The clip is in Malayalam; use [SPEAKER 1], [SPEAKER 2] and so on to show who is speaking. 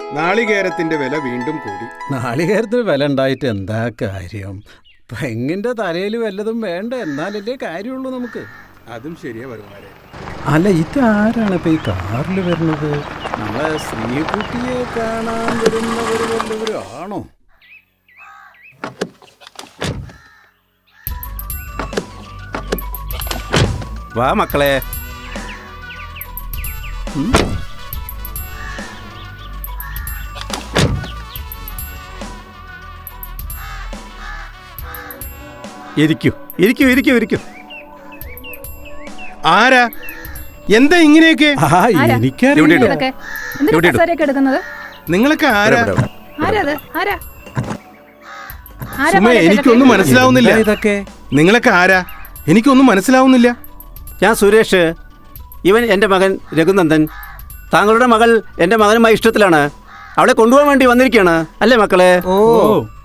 [SPEAKER 1] നാളികേരത്തിന്റെ വില വീണ്ടും കൂടി.
[SPEAKER 2] നാളികേരത്തിന് വില ഉണ്ടായിട്ട് എന്താ കാര്യം? പെങ്ങിന്റെ തലയിൽ വല്ലതും വേണ്ട, എന്നാലല്ലേ കാര്യമുള്ളൂ നമുക്ക്.
[SPEAKER 1] അതും ശരിയാ വരുമാരെ.
[SPEAKER 2] അല്ല, ഇതാരാണ് ഇപ്പൊ ഈ കാറിൽ വരുന്നത്? നമ്മളെ ശ്രീകുട്ടിയെ കാണാൻ വരുന്നവർ വല്ലവരും ആണോ?
[SPEAKER 3] വാ മക്കളെ. ഇരിക്കൂ ഇരിക്കൂ ഇരിക്കൂ ഇരിക്കൂ.
[SPEAKER 1] ആരാ? എന്താ ഇങ്ങനെയൊക്കെ?
[SPEAKER 2] എനിക്കറിയില്ല.
[SPEAKER 1] നിങ്ങളൊക്കെ ആരാ?
[SPEAKER 4] ആരാ?
[SPEAKER 1] സുമേ, എനിക്കൊന്നും മനസ്സിലാവുന്നില്ല.
[SPEAKER 2] ഇതൊക്കെ
[SPEAKER 1] നിങ്ങളൊക്കെ ആരാ? എനിക്കൊന്നും മനസ്സിലാവുന്നില്ല.
[SPEAKER 3] ഞാൻ സുരേഷ്. ഇവൻ എൻ്റെ മകൻ രഘുനന്ദൻ. താങ്കളുടെ മകൾ എൻ്റെ മകനുമായി ഇഷ്ടത്തിലാണ്. അവളെ കൊണ്ടുപോകാൻ വേണ്ടി വന്നിരിക്കുകയാണ് അല്ലേ മക്കളെ?
[SPEAKER 2] ഓ